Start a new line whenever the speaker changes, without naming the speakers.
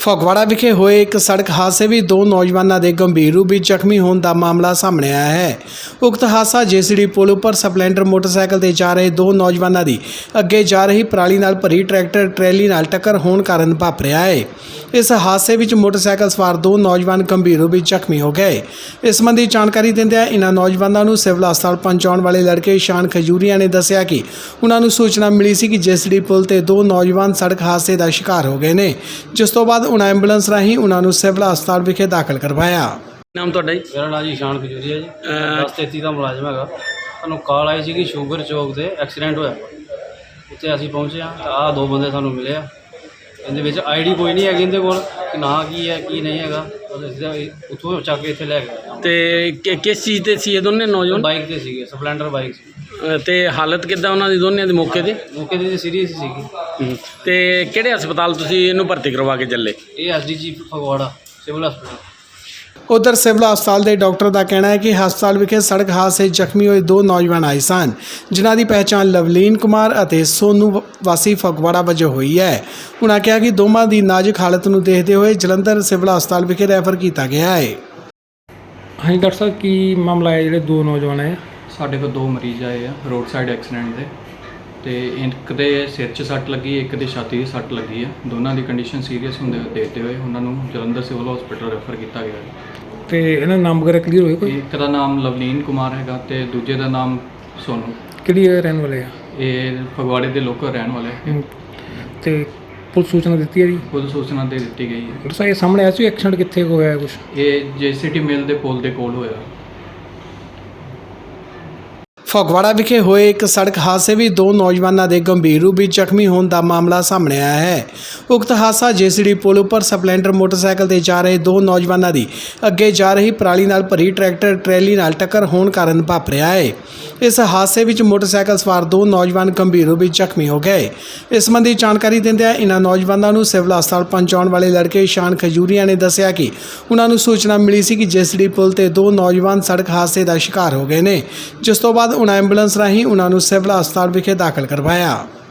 ਫਗਵਾੜਾ ਵਿਖੇ ਹੋਏ ਇੱਕ ਸੜਕ ਹਾਦਸੇ ਵਿੱਚ ਦੋ ਨੌਜਵਾਨਾਂ ਦੇ ਗੰਭੀਰ ਰੂਪ ਵਿੱਚ ਜ਼ਖਮੀ ਹੋਣ ਦਾ ਮਾਮਲਾ ਸਾਹਮਣੇ ਆਇਆ ਹੈ। ਉਕਤ ਹਾਦਸਾ ਜੇਸੀਡੀ ਪੁਲ ਉੱਪਰ ਸਪਲੈਂਡਰ ਮੋਟਰਸਾਈਕਲ ਤੇ ਜਾ ਰਹੇ ਦੋ ਨੌਜਵਾਨਾਂ ਦੀ ਅੱਗੇ ਜਾ ਰਹੀ ਪਰਾਲੀ ਨਾਲ ਭਰੀ ਟਰੈਕਟਰ ਟਰੈਲੀ ਨਾਲ ਟੱਕਰ ਹੋਣ ਕਾਰਨ ਵਾਪਰਿਆ ਹੈ। ਇਸ ਹਾਦਸੇ ਵਿੱਚ ਮੋਟਰਸਾਈਕਲ ਸਵਾਰ ਦੋ ਨੌਜਵਾਨ ਗੰਭੀਰ ਰੂਪ ਵਿੱਚ ਜ਼ਖਮੀ ਹੋ ਗਏ। ਇਸ ਸੰਬੰਧੀ ਜਾਣਕਾਰੀ ਦਿੰਦਿਆਂ ਇਨ੍ਹਾਂ ਨੌਜਵਾਨਾਂ ਨੂੰ ਸਿਵਲ ਹਸਪਤਾਲ ਪਹੁੰਚਾਉਣ ਵਾਲੇ ਲੜਕੇ ਸ਼ਾਨ ਖਜੂਰੀਆ ਨੇ ਦੱਸਿਆ ਕਿ ਉਹਨਾਂ ਨੂੰ ਸੂਚਨਾ ਮਿਲੀ ਸੀ ਕਿ ਜੇਸੀਡੀ ਪੁਲ ਤੇ ਦੋ ਨੌਜਵਾਨ ਸੜਕ ਹਾਦਸੇ ਦਾ ਸ਼ਿਕਾਰ ਹੋ ਗਏ ਨੇ, ਜਿਸ ਤੋਂ ਬਾਅਦ ਉਹਨਾਂ ਐਂਬੂਲੈਂਸ ਰਾਹੀਂ ਉਹਨਾਂ ਨੂੰ ਸਿਵਲ ਹਸਪਤਾਲ ਵਿਖੇ ਦਾਖਲ ਕਰਵਾਇਆ।
ਨਾਮ ਤੁਹਾਡਾ ਜੀ?
ਮੇਰਾ ਨਾਮ ਜੀ ਸ਼ਾਨ ਖਜੂਰੀਆ ਜੀ, 1033 ਦਾ ਮੁਲਾਜ਼ਮ ਹੈਗਾ। ਸਾਨੂੰ ਕਾਲ ਆਈ ਸੀ ਕਿ ਸ਼ੂਗਰ ਚੌਕ ਤੇ ਐਕਸੀਡੈਂਟ ਹੋਇਆ। ਉੱਥੇ ਅਸੀਂ ਪਹੁੰਚੇ ਹਾਂ ਤਾਂ ਆਹ ਦੋ ਬੰਦੇ ਸਾਨੂੰ ਮਿਲੇ ਆ। ਇਹਦੇ ਵਿੱਚ ਆਈਡੀ ਕੋਈ ਨਹੀਂ ਹੈਗੀ ਇਹਦੇ ਕੋਲ ਕਿ ਨਾਂ ਕੀ ਹੈ ਕੀ ਨਹੀਂ ਹੈਗਾ। ਅਸੀਂ ਉੱਥੋਂ ਚੱਕ ਕੇ ਇੱਥੇ ਲੈ ਗਏ।
ਤੇ ਕਿਸ ਚੀਜ਼ ਤੇ ਸੀ ਇਹ ਦੋਨੇ ਨੌਜਵਾਨ?
ਬਾਈਕ ਤੇ ਸੀਗੇ, ਸਪਲੈਂਡਰ ਬਾਈਕ ਸੀ।
ਤੇ ਹਾਲਤ ਕਿੱਦਾਂ ਉਹਨਾਂ ਦੀ ਦੋਨਿਆਂ ਦੀ ਮੌਕੇ
ਤੇ ਸੀਰੀਅਸ ਸੀਗੀ।
ਤੇ ਕਿਹੜੇ ਹਸਪਤਾਲ ਤੁਸੀਂ ਇਹਨੂੰ ਭਰਤੀ ਕਰਵਾ ਕੇ ਚੱਲੇ?
ਇਹ ਐਸਡੀਜੀ ਫਗਵਾੜਾ ਸਿਵਲ ਹਸਪਤਾਲ।
ਉਧਰ ਸਿਵਲ ਹਸਪਤਾਲ ਦੇ ਡਾਕਟਰ ਦਾ ਕਹਿਣਾ ਹੈ ਕਿ ਹਸਪਤਾਲ ਵਿਖੇ ਸੜਕ ਹਾਦਸੇ ਜ਼ਖਮੀ ਹੋਏ ਦੋ ਨੌਜਵਾਨ ਆਏ ਸਨ, ਜਿਨ੍ਹਾਂ ਦੀ ਪਹਿਚਾਣ ਲਵਲੀਨ ਕੁਮਾਰ ਅਤੇ ਸੋਨੂ ਵਾਸੀ ਫਗਵਾੜਾ ਵਜੋਂ ਹੋਈ ਹੈ। ਉਨ੍ਹਾਂ ਕਿਹਾ ਕਿ ਦੋਵਾਂ ਦੀ ਨਾਜ਼ੁਕ ਹਾਲਤ ਨੂੰ ਦੇਖਦੇ ਹੋਏ ਜਲੰਧਰ ਸਿਵਲ ਹਸਪਤਾਲ ਵਿਖੇ ਰੈਫਰ ਕੀਤਾ ਗਿਆ ਹੈ।
ਹਾਂਜੀ ਡਾਕਟਰ ਸਾਹਿਬ, ਕੀ ਮਾਮਲਾ ਹੈ ਜਿਹੜੇ ਦੋ ਨੌਜਵਾਨ ਆਏ?
ਸਾਡੇ ਕੋਲ ਦੋ ਮਰੀਜ਼ ਆਏ ਆ ਰੋਡ ਸਾਈਡ ਐਕਸੀਡੈਂਟ ਦੇ, ਤੇ ਇੱਕ ਦੇ ਸਿਰ 'ਚ ਸੱਟ ਲੱਗੀ, ਇੱਕ ਦੇ ਛਾਤੀ 'ਚ ਸੱਟ ਲੱਗੀ ਆ। ਦੋਨਾਂ ਦੀ ਕੰਡੀਸ਼ਨ ਸੀਰੀਅਸ ਹੁੰਦੇ ਦੇਖਦੇ ਹੋਏ ਉਹਨਾਂ ਨੂੰ ਜਲੰਧਰ ਸਿਵਲ ਹਸਪੀਟਲ ਰੈਫਰ ਕੀਤਾ ਗਿਆ ਹੈ।
ਤੇ ਇਹਨਾਂ ਦਾ ਨਾਮ ਵਗੈਰਾ ਕਲੀਅਰ ਹੋਇਆ ਕੋਈ?
ਇੱਕ ਦਾ ਨਾਮ ਲਵਲੀਨ ਕੁਮਾਰ ਹੈਗਾ ਤੇ ਦੂਜੇ ਦਾ ਨਾਮ ਸੋਨੂ।
ਕਿਹੜੀ ਰਹਿਣ ਵਾਲੇ ਆ?
ਇਹ ਫਗਵਾੜੇ ਦੇ ਲੋਕਲ ਰਹਿਣ ਵਾਲੇ ਹੈ।
ਤੇ ਪੁਲਿਸ ਸੂਚਨਾ ਦਿੱਤੀ ਹੈ ਜੀ?
ਖੁਦ ਸੂਚਨਾ ਦੇ ਦਿੱਤੀ ਗਈ ਹੈ।
ਡਾਕਟਰ ਸਾਹਿਬ, ਇਹ ਸਾਹਮਣੇ ਆਇਆ ਸੀ ਐਕਸੀਡੈਂਟ ਕਿੱਥੇ ਹੋਇਆ ਹੈ ਕੁਛ?
ਇਹ ਜੇਸੀਟੀ ਮਿਲ ਦੇ ਪੁਲ ਦੇ ਕੋਲ ਹੋਇਆ।
ਫਗਵਾੜਾ ਵਿਖੇ ਹੋਏ ਇੱਕ ਸੜਕ ਹਾਦਸੇ ਵਿੱਚ ਦੋ ਨੌਜਵਾਨਾਂ ਦੇ ਗੰਭੀਰ ਰੂਪ ਵਿੱਚ ਜ਼ਖਮੀ ਹੋਣ ਦਾ ਮਾਮਲਾ ਸਾਹਮਣੇ ਆਇਆ ਹੈ। ਉਕਤ ਹਾਦਸਾ ਜੇਸੀਡੀ ਪੁਲ ਉੱਪਰ ਸਪਲੈਂਡਰ ਮੋਟਰਸਾਈਕਲ ਤੇ ਜਾ ਰਹੇ ਦੋ ਨੌਜਵਾਨਾਂ ਦੀ ਅੱਗੇ ਜਾ ਰਹੀ ਪਰਾਲੀ ਨਾਲ ਭਰੀ ਟਰੈਕਟਰ ਟਰੈਲੀ ਨਾਲ ਟੱਕਰ ਹੋਣ ਕਾਰਨ ਵਾਪਰਿਆ ਹੈ। ਇਸ ਹਾਦਸੇ ਵਿੱਚ ਮੋਟਰਸਾਈਕਲ ਸਵਾਰ ਦੋ ਨੌਜਵਾਨ ਗੰਭੀਰ ਰੂਪ ਵਿੱਚ ਜ਼ਖਮੀ ਹੋ ਗਏ। ਇਸ ਸੰਬੰਧੀ ਜਾਣਕਾਰੀ ਦਿੰਦਿਆਂ ਇਨ੍ਹਾਂ ਨੌਜਵਾਨਾਂ ਨੂੰ ਸਿਵਲ ਹਸਪਤਾਲ ਪਹੁੰਚਾਉਣ ਵਾਲੇ ਲੜਕੇ ਸ਼ਾਨ ਖਜੂਰੀਆ ਨੇ ਦੱਸਿਆ ਕਿ ਉਹਨਾਂ ਨੂੰ ਸੂਚਨਾ ਮਿਲੀ ਸੀ ਕਿ ਜੇਸੀਡੀ ਪੁਲ ਤੇ ਦੋ ਨੌਜਵਾਨ ਸੜਕ ਹਾਦਸੇ ਦਾ ਸ਼ਿਕਾਰ ਹੋ ਗਏ ਨੇ, ਜਿਸ ਤੋਂ ਬਾਅਦ ਉਹਨਾਂ ਐਂਬੂਲੈਂਸ ਰਾਹੀਂ ਉਹਨਾਂ ਨੂੰ ਸਿਵਲ ਹਸਪਤਾਲ ਵਿਖੇ ਦਾਖਲ ਕਰਵਾਇਆ।